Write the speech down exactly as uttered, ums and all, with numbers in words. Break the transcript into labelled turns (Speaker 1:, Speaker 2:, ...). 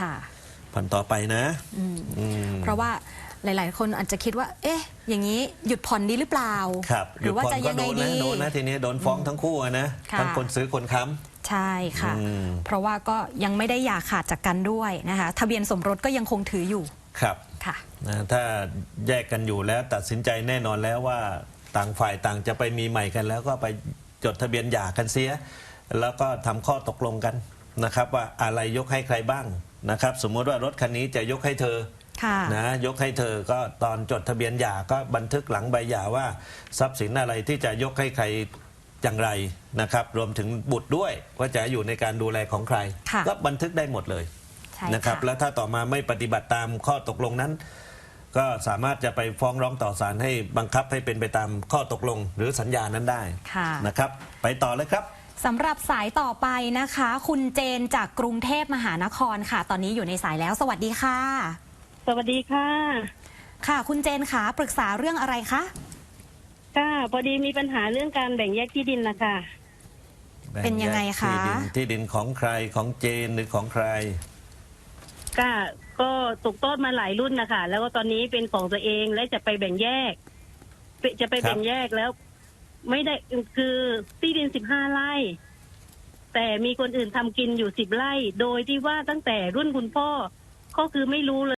Speaker 1: ค่ะ
Speaker 2: ผ่อนต่อไปนะ
Speaker 1: เพราะว่าหลายๆคนอาจจะคิดว่าเอ๊ะอย่างนี้หยุดผ่อนดีหรือเปล่า
Speaker 2: ครับ
Speaker 1: หรือว่าจะยังไงดี
Speaker 2: โดนนะทีนี้โดนฟ้องทั้งคู่นะทั้งคนซื้อคนค้ำ
Speaker 1: ใช่ค่ะเพราะว่าก็ยังไม่ได้อย่าขาดจากกันด้วยนะคะทะเบียนสมรสก็ยังคงถืออยู่
Speaker 2: ครับ
Speaker 1: ค่ะ
Speaker 2: ถ้าแยกกันอยู่แล้วตัดสินใจแน่นอนแล้วว่าต่างฝ่ายต่างจะไปมีใหม่กันแล้วก็ไปจดทะเบียนหย่ากันเสียแล้วก็ทำข้อตกลงกันนะครับว่าอะไรยกให้ใครบ้างนะครับสมมติว่ารถคันนี้จะยกให้เธอนะยกให้เธอก็ตอนจดทะเบียนหย่าก็บันทึกหลังใบหย่าว่าทรัพย์สินอะไรที่จะยกให้ใครอย่างไรนะครับรวมถึงบุตรด้วยว่าจะอยู่ในการดูแลของใครก็บันทึกได้หมดเลยนะครับแล้วถ้าต่อมาไม่ปฏิบัติตามข้อตกลงนั้นก็สามารถจะไปฟ้องร้องต่อศาลให้บังคับให้เป็นไปตามข้อตกลงหรือสัญญานั้นได้นะครับไปต่อเลยครับ
Speaker 1: สำหรับสายต่อไปนะคะคุณเจนจากกรุงเทพมหานครค่ะตอนนี้อยู่ในสายแล้วสวัสดีค่ะ
Speaker 3: สวัสดีค่ะ
Speaker 1: ค่ะคุณเจนคะปรึกษาเรื่องอะไรคะ
Speaker 3: ค่ะพอดีมีปัญหาเรื่องการแบ่งแยกที่ดินนะคะ
Speaker 1: เป็นยังไงคะ
Speaker 2: ที่ดินที่ดินของใครของเจนหรือของใคร
Speaker 3: ค่ะก็ตกทอดมาหลายรุ่นนะคะแล้วก็ตอนนี้เป็นของตัวเองและจะไปแบ่งแยกจะไปแบ่งแยกแล้วไม่ได้คือที่ดินสิบห้าไร่แต่มีคนอื่นทำกินอยู่สิบไร่โดยที่ว่าตั้งแต่รุ่นคุณพ่อก็คือไม่รู้เลย